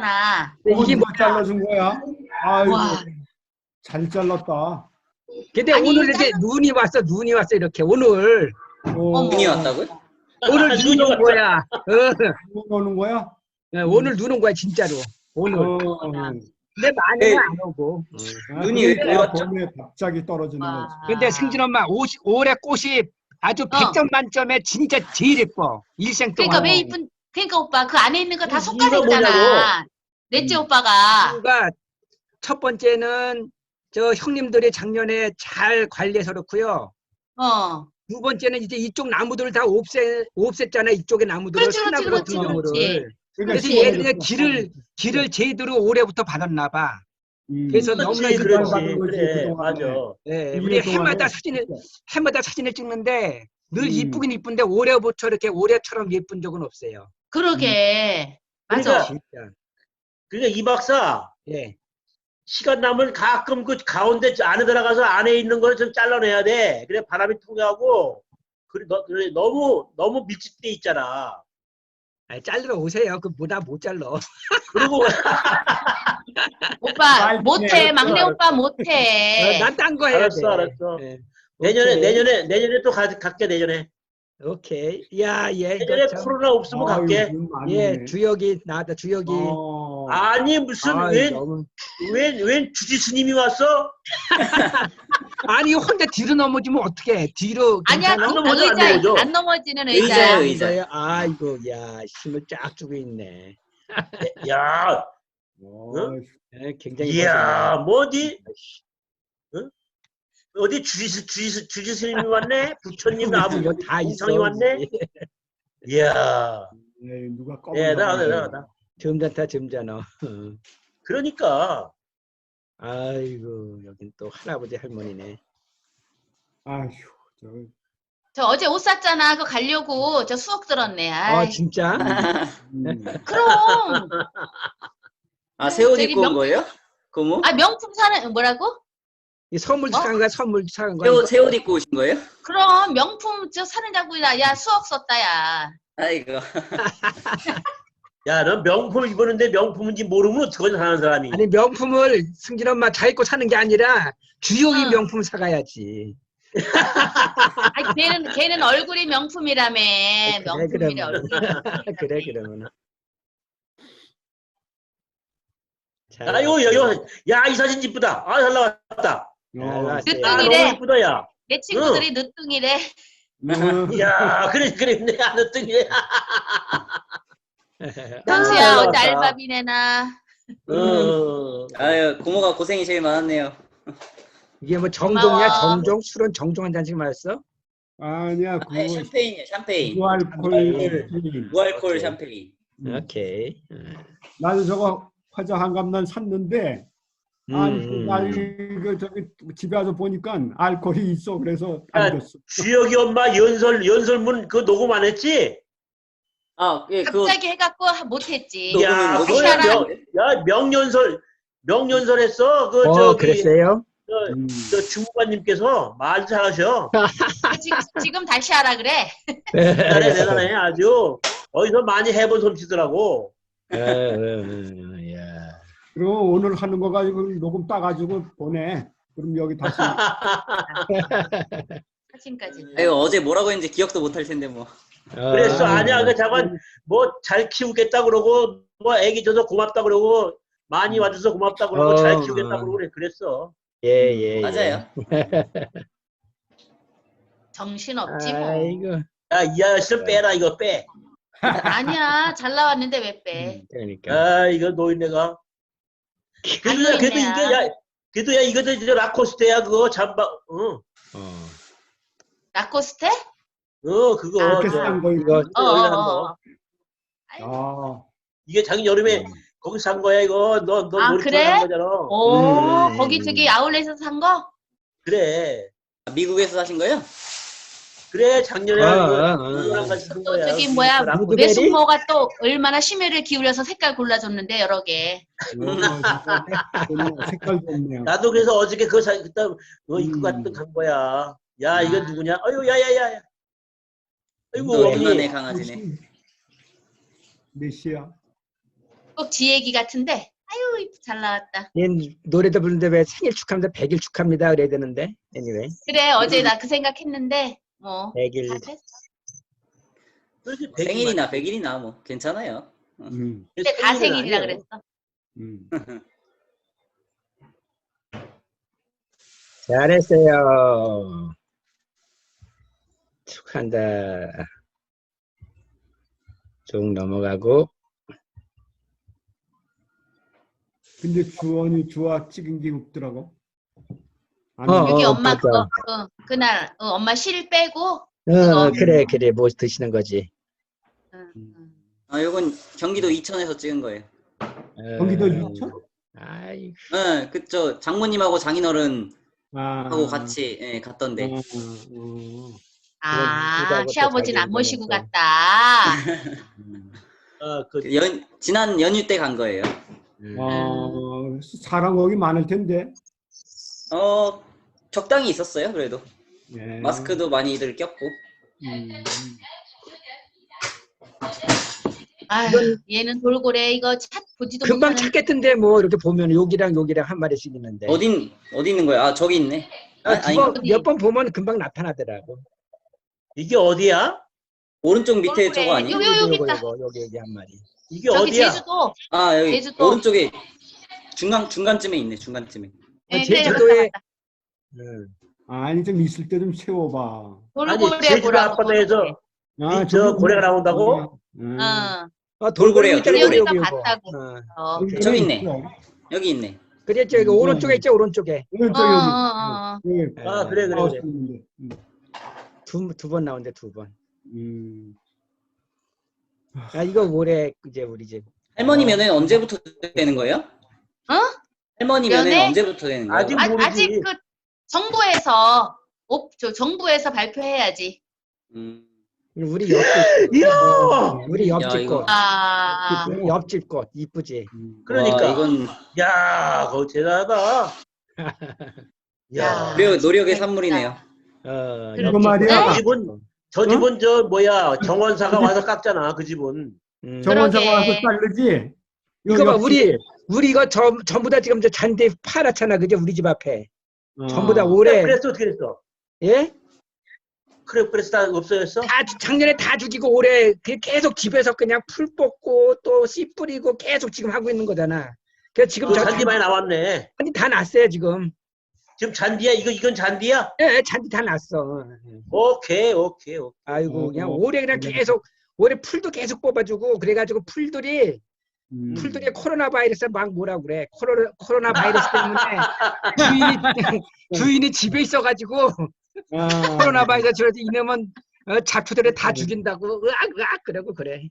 잘랐잖아. 이게 누가 잘라준 거야? 아이고, 와. 잘 잘랐다. 근데 아니, 오늘 이렇게 눈이 왔어 이렇게 오늘 어머. 눈이 왔다고요? 오늘 눈이 온 왔다. 거야. 누가 오는 거야? 오늘 눈 온 거야 진짜로 오늘. 근데 많이는 안 오고. 눈이 왜 왔죠? 봄에 갑자기 떨어지는 거지. 와. 근데 승진 엄마 올해 꽃이 아주 100점 만점에 진짜 제일 예뻐. 일생 그러니까 동안. 왜 이쁜, 그러니까 오빠 그 안에 있는 거 다 이유가 속가졌잖아. 뭐냐고. 넷째 오빠가. 이유가 첫 번째는 저 형님들이 작년에 잘 관리해서 그렇고요. 어. 두 번째는 이제 이쪽 나무들을 다 없앴잖아. 이쪽의 나무들을 그렇지, 소나무 그렇지, 같은 그렇지, 경우를. 그래서 그렇지. 얘들이 길을 제대로 올해부터 받았나 봐. 그래서 너무나 그렇지, 그렇지. 받은 거지, 그래, 그동안에. 맞아. 네, 일 우리 년 동안에 해마다 사진을 찍는데 늘 음. 이쁘긴 이쁜데 올해부터 이렇게 올해처럼 예쁜 적은 없어요. 그러게. 맞아. 그러니까 진짜. 그러니까 이 박사 예. 시간 나면 가끔 그 가운데 안에 들어가서 안에 있는 거를 좀 잘라내야 돼. 그래 바람이 통하고 그래 너무 밀집돼 있잖아. 잘러 오세요. 그 뭐다 못 잘러. 그리고 오빠 아이, 못해. 네, 막내 알았어. 오빠 못해. 난 딴 거 해야 돼. 알았어. 예. 내년에 오케이. 내년에 또 갈게 내년에. 오케이. 야, 예. 내년에 이거 참. 코로나 없으면 갈게. 예, 주역이 나왔다. 주역이. 아니 무슨 너무... 웬 주지스님이 왔어? 아니 혼자 뒤로 넘어지면 어떡해? 뒤로 아니야, 괜찮아? 안 넘어져, 안 넘어져. 안 넘어지는 의자예요, 의자야. 의자. 아이고, 야, 힘을 쫙 주고 있네. 야, 예, 굉장히. 이야, 뭐지? 응? 어디 주지스님이 왔네? 부처님 아버지 이거 다 있어. 우상이 왔네? 이야, 누가 대단하다. 점잖다, 점잖아. 그러니까 아이고, 여긴 또 할아버지 할머니네. 아휴, 저 어제 옷 샀잖아. 그거 가려고 저 수억 들었네. 아이. 진짜? 그럼. 아, 새 옷 저기 입고 온 거예요? 고모? 아, 명품 사는 뭐라고? 이 선물 뭐? 사간 거야, 선물 사간 거야. 새 옷 입고 오신 거예요? 그럼 명품 저 사느냐고. 야 수억 썼다 야. 아이고. 야, 넌 명품 입었는데 명품인지 모르면 어떡하냐 사는 사람이. 아니, 명품을 승진 엄마 잘 입고 사는 게 아니라 주역이 응. 명품 사가야지. 아니, 걔는 얼굴이 명품이라며. 명품이래 얼굴. 그래, 그러면. 아이고 여기 야, 이 사진 이쁘다. 아, 잘 나왔다. 야, 늦둥이래. 너무 이쁘다 야. 내 친구들이 늦둥이래. 야, 그래 내가 늦둥이래. 현수야 어제 나왔다. 알바비내나. 아유, 고모가 고생이 제일 많았네요. 이게 뭐 정종이야, 고마워. 정종? 술은 정종 한 잔씩 마셨어? 아니야, 아니, 샴페인이에요, 샴페인. 무알콜. 무알콜 샴페인. 오케이. 나도 저거 화자 한갑난 샀는데 나 이거 저기 집에 와서 보니까 알코올이 있어. 그래서 안 줬어. 주혁이 엄마 연설문 그 녹음 안 했지? 아, 예, 그거 갑자기 해갖고 못했지. 야, 녹음은 그거야 명연설 했어. 그 저기 그랬어요? 저 주무관님께서 말 잘하셔. 지금 다시 하라 그래. 대단해 아주. 어디서 많이 해본 솜씨더라고. 야. 그럼 오늘 하는 거 가지고 녹음 따가지고 보내. 그럼 여기 다시. 사진까지. 아유, 어제 뭐라고 했는지 기억도 못 할 텐데 뭐. 그랬어. 아니야. 그 잠깐 뭐 잘 키우겠다 그러고 뭐 애기 줘서 고맙다 그러고 많이 와줘서 고맙다 그러고 잘 키우겠다 그러고 그랬어. 예. 맞아요. 정신 없지 뭐. 아이고. 야, 이 아저씨를 빼라 이거 빼. 아니야 잘 나왔는데 왜 빼? 그러니까. 아, 이거 노인네가. 그래도 이게 야, 그래도 야 이거 저 라코스테야 그거 잠바. 라코스테? 그거. 이렇게 싼 거 이거. 이게 작년 여름에 거기 산 거야 이거. 너 놀이터 그래? 산 거잖아. 오, 거기 저기 아울렛에서 산 거? 그래. 미국에서 사신 거예요? 그래 작년에 그거랑 같이 산 또 거야. 저기 뭐야 라코스테. 외숙모가 또 얼마나 심혈을 기울여서 색깔 골라줬는데 여러 개. 색깔 좋네요. 나도 그래서 어저께 그거 그때 입고 갔던 간 거야. 야 이거 누구냐? 아유 야야야. 아이고 또 어머니. 오랜만에 강아지네. 몇 시야? 꼭 지 얘기 같은데. 아유, 잘 나왔다. 얘 노래도 부르는데 왜 생일 축하합니다, 100일 축하합니다 그래야 되는데. anyway. 그래, 어제 나 그 생각했는데, 뭐. 100일. 다 됐어. 그렇지, 생일이나 100일이나 뭐 괜찮아요. 근데 다 생일이라 그랬어. 음. 잘했어요. 축하한다. 쭉 넘어가고. 근데 주아 찍은 게 없더라고. 아니, 여기 엄마 맞아. 그거, 그날, 엄마 실 빼고, 그래, 뭐 드시는 거지. 아, 요건 경기도 이천에서 찍은 거예요. 경기도 이천? 아이고. 네, 그쵸. 장모님하고 장인어른 아, 하고 같이 예, 갔던데. 이쁘다고 또 시아버지는 안 자기 모시고 이름을 갔다. 지난 연휴 때 간 거예요. 사람 거기 많을 텐데. 적당히 있었어요. 그래도 예. 마스크도 많이들 꼈고. 아유, 얘는 돌고래 이거 보지도 금방 못하는. 찾겠던데 뭐 이렇게 보면 여기랑 한 마리씩 있는데. 어디 있는 거야? 아, 저기 있네. 아닌가? 몇 번 보면 금방 나타나더라고. 이게 어디야? 오른쪽 밑에 돌고래. 저거 아니에요? 여기 있다. 여기 한 마리. 이게 저기 어디야? 제주도. 아, 여기 제주도. 오른쪽에 중간쯤에 있네. 중간쯤에. 네, 제주도에 아니 좀 있을 때 좀 세워봐. 아니, 돌고래 제주도 보라고. 앞바다에서 아, 저 저기 고래가 나온다고? 돌고래요, 있잖아, 돌고래. 여기가 여기, 봤다고. 여기 저기 있네. 있어. 여기 있네. 그랬죠. 여기 오른쪽에 있죠, 오른쪽에. 오른쪽 여기. 여기. 아, 그래. 하우스 있는데. 두 번 나온대, 두 번. 음. 아, 이거 올해 이제 우리 집. 할머니 면회는 언제부터 되는 거예요? 할머니 면회는 면회? 언제부터 되는 거예요? 아직 모르지. 아직 그 정부에서 발표해야지. 우리 옆집. 이야! 우리 야, 옆집 이거. 꽃. 아, 우리 옆집 꽃 이쁘지. 그러니까. 와, 이건 야, 그거 대단하다. 야. 노력의 산물이네요. 이거 말이야. 저 집은 저 뭐야 정원사가 와서 깎잖아. 그 집은. 정원사가 그러게. 와서 자르지. 이거 봐, 옆집. 우리 이거 전부 다 지금 저 잔디 파랗잖아, 그죠? 우리 집 앞에. 전부 다 그래, 올해. 그래서 어떻게 됐어? 예? 그래, 그래서 다 없어졌어? 작년에 다 죽이고 올해 계속 집에서 그냥 풀 뽑고 또 씨 뿌리고 계속 지금 하고 있는 거잖아. 그래서 지금 그 잔디 많이 나왔네. 잔디 다 났어요 지금. 지금 잔디야? 이건 잔디야? 예, 잔디 다 났어. 오케이. 아이고 그냥 올해 그냥 계속 올해 풀도 계속 뽑아주고 그래가지고 풀들이 코로나 바이러스 막 뭐라 그래. 코로나 바이러스 때문에 주인이 집에 있어가지고 코로나 바이러스 들어서 이놈은 잡초들을 다 죽인다고 으악 그러고 그래.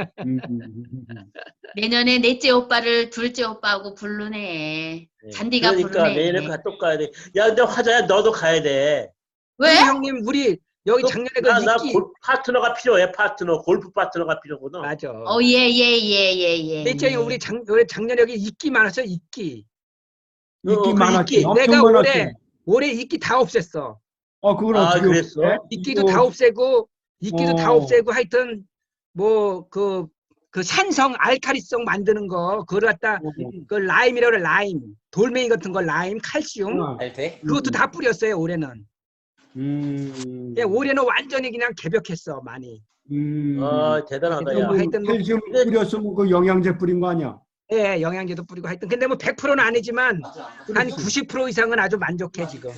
내년에 넷째 오빠를 둘째 오빠하고 부르네. 잔디가 그러니까 부르네. 내일은 또 가야 돼. 야, 근데 화자야, 너도 가야 돼. 왜? 우리 형님 우리 여기 작년에 그 나 이끼 파트너가 필요해. 골프 파트너가 필요하거든. 맞아. 예. 있잖아요 우리 작년에 여기 이끼 많았어요 이끼. 이끼 많았지. 엄청 내가 많았지. 올해 이끼 다 없앴어. 그걸 아, 어떻게 그랬어? 해? 이끼도 다 없애고 다 없애고 하여튼 뭐 그 산성 알칼리성 만드는 거 그걸 갖다 그 라임이라고 그래 라임 돌멩이 같은 거 라임 칼슘 알테? 그것도 다 뿌렸어요 올해는. 예, 올해는 완전히 그냥 개벽했어 많이. 대단하다. 야. 하여튼 뭐 칼슘 뿌렸으면 그 영양제 뿌린 거 아니야? 예, 영양제도 뿌리고 하여튼 근데 뭐 100%는 아니지만 한 90% 이상은 아주 만족해 지금.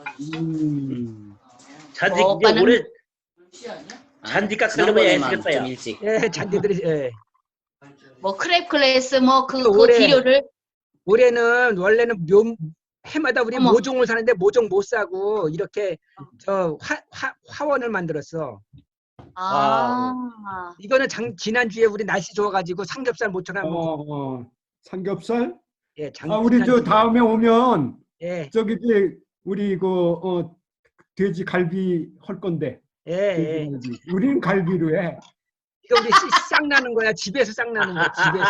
잔디 이제 오빠는- 올해 잔디 깎으려면 지난번에만 애쓰겠다. 좀 야. 일찍. 예, 잔디들이 예. 뭐 크랩 클래스 뭐 그 올해- 비료를 올해는 원래는 해마다 우리 어머. 모종을 사는데 모종 못 사고 이렇게 저 화원을 만들었어. 이거는 지난주에 우리 날씨 좋아가지고 삼겹살 모처럼 삼겹살? 예, 우리 저 지난주에. 다음에 오면 예, 저기 우리 돼지 갈비 할 건데. 예. 돼지 갈비. 우리는 갈비로 해. 이거 우리 싹 나는 거야. 집에서 싹 나는 거야.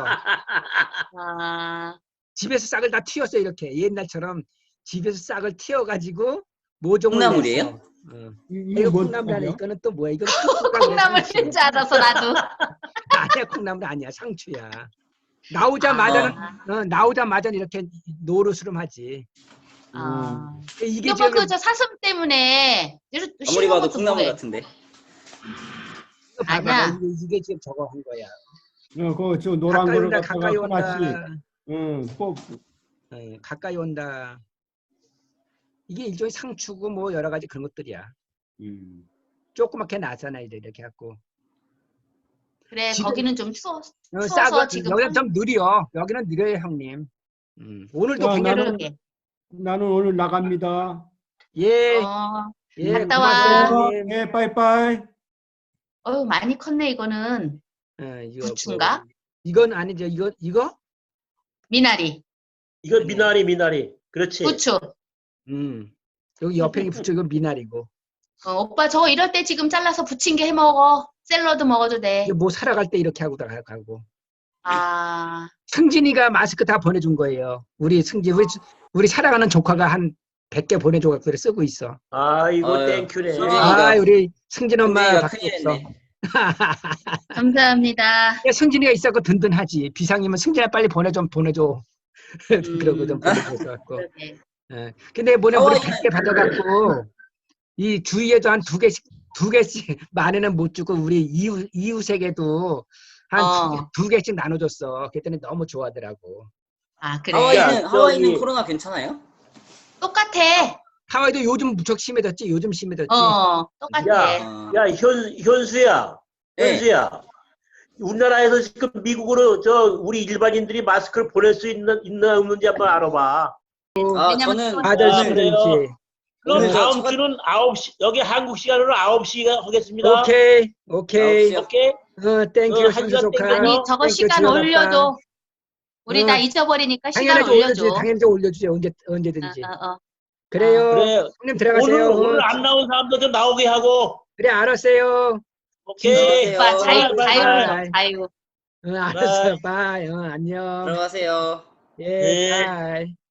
집에서 싹을 다 튀었어요. 이렇게 옛날처럼 집에서 싹을 튀어가지고 모종을 콩나물이에요? 냈어. 이거 이거 뭔 콩나물 아니야. 말이야? 이거는 또 뭐야? 이거 콩나물인 줄 알아서 나도. 아니야. 콩나물 아니야. 상추야. 나오자마자는 아, 나오자마자는 이렇게 노르스름 하지. 아. 이게 여보, 지금 저 사슴 때문에 아무리 쉬는 봐도 것도 콩나물 뭐해? 같은데. 이거 봐봐. 아니야. 이게 지금 저거 한 거야. 그저 노란 가까이 거를 온다, 갖다가 가까이 온다. 하나씩 꼭 가까이 온다. 이게 일종의 상추고 뭐 여러 가지 그런 것들이야. 조그맣게 나잖아, 이렇게 갖고. 그래, 지금- 거기는 좀 추워서 싸고 지금 여기는 좀 느려. 여기는 느려요, 형님. 오늘도 야, 굉장히 그러게. 나는 오늘 나갑니다. 예, 어, 예, 갔다 고맙어요, 와. 형님. 예, 빠이빠이. 어휴, 많이 컸네, 이거는. 이거 부추인가? 이건 아니죠. 이거? 미나리, 이거 미나리. 그렇지. 부추. 여기 옆에 있는 부추 이건 미나리고. 오빠 저 이럴 때 지금 잘라서 부침개 해 먹어. 샐러드 먹어도 돼. 이게 뭐 살아갈 때 이렇게 하고 가고. 아, 승진이가 마스크 다 보내준 거예요. 우리 승진, 우리 살아가는 조카가 한 100개 보내줘서 그래 쓰고 있어. 아이고 아유, 땡큐네. 승진이가- 우리 승진 엄마 승진이가 밖에 큰일이네. 없어. 감사합니다. 야, 승진이가 있었고 든든하지. 비상이면 승진아 빨리 보내줘. 그러고 좀 보내줘서 갖고. 그러게. 근데 뭐냐 우리 하와이는 100개 받아갖고 이 주위에도 한 두 개씩 많이는 못 주고 우리 이웃에게도 한 두 개씩 나눠줬어. 그랬더니 너무 좋아하더라고. 아, 그래. 하와이는 저기- 코로나 괜찮아요? 똑같아. 하와이도 요즘 무척 심해졌지. 요즘 심해졌지. 똑같아. 야, 어. 야 현수야. 네. 우리나라에서 지금 미국으로 우리 일반인들이 마스크를 보낼 수 있나 없는지 한번 알아봐. 아, 왜냐면 저는 또- 다들 아, 심해졌지. 그럼 오늘 다음 저 주는 9시 여기 한국 시간으로 9시가 하겠습니다. 오케이. 9시 요? 오케이. 땡큐 한 현수 시간 조카. 땡큐. 아니, 저거 땡큐, 시간 지어놨다. 올려줘. 우리 다 잊어버리니까 시간 당연하지 올려줘. 당연히 올려주지. 언제든지. 그래요. 그래. 형님 들어가세요. 오늘 안 나온 사람도 좀 나오게 하고. 그래 알았어요. 오케이. 들어가세요. 오빠 바이, 바이, 자유로 바이. 줘. 자유. 알았어. 바이. 안녕. 들어가세요. 예. 예. 바이.